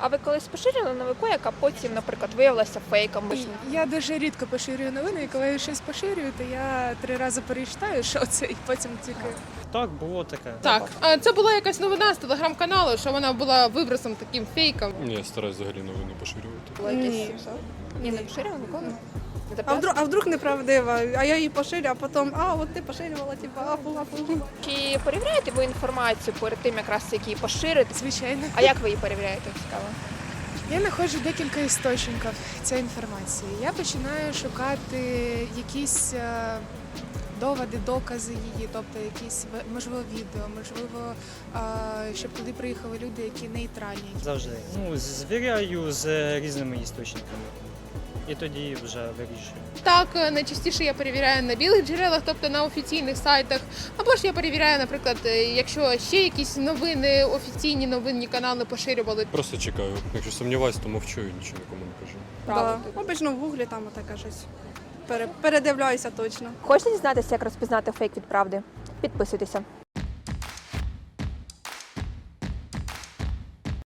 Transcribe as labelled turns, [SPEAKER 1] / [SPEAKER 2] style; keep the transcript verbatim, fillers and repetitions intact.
[SPEAKER 1] А ви колись поширили новину, яка потім, наприклад, виявилася фейком? Ви ж не-
[SPEAKER 2] Я дуже рідко поширюю новини, і коли я щось поширюю, то я три рази перечитаю, що це, і потім тільки.
[SPEAKER 3] Так, було таке.
[SPEAKER 4] Так, а це була якась новина з телеграм-каналу, що вона була вибросом таким фейком.
[SPEAKER 5] Ні, я стараюсь взагалі новини поширювати.
[SPEAKER 1] Було якесь
[SPEAKER 6] Ні.
[SPEAKER 1] Ні, не поширили ніколи? Не
[SPEAKER 6] А
[SPEAKER 1] записували?
[SPEAKER 6] вдруг, а вдруг неправдива, а я її поширю, а потім, а от ти поширювала, типу, афу, афу.
[SPEAKER 1] Чи перевіряєте ви інформацію перед тим, якраз як її поширити?
[SPEAKER 2] Звичайно.
[SPEAKER 1] А як ви її перевіряєте? Цікаво.
[SPEAKER 2] Я знаходжу декілька істочників цієї інформації. Я починаю шукати якісь е, доводи, докази її, тобто якісь в- можливо відео, можливо, е, щоб туди приїхали люди, які нейтральні.
[SPEAKER 3] Завжди. Ну, звіряю з різними істочниками. І тоді вже вирішую.
[SPEAKER 4] Так, е, найчастіше я перевіряю на білих джерелах, тобто на офіційних сайтах. Або ж я перевіряю, наприклад, е, якщо ще якісь новини, офіційні новинні канали поширювали.
[SPEAKER 5] Просто чекаю. Якщо сумніваюсь, то мовчу і нічого нікому не кажу.
[SPEAKER 1] Правда.
[SPEAKER 6] Да. Обично в гуглі там отаке щось. Пере- передивляюся точно.
[SPEAKER 1] Хочете дізнатися, як розпізнати фейк від правди? Підписуйтеся.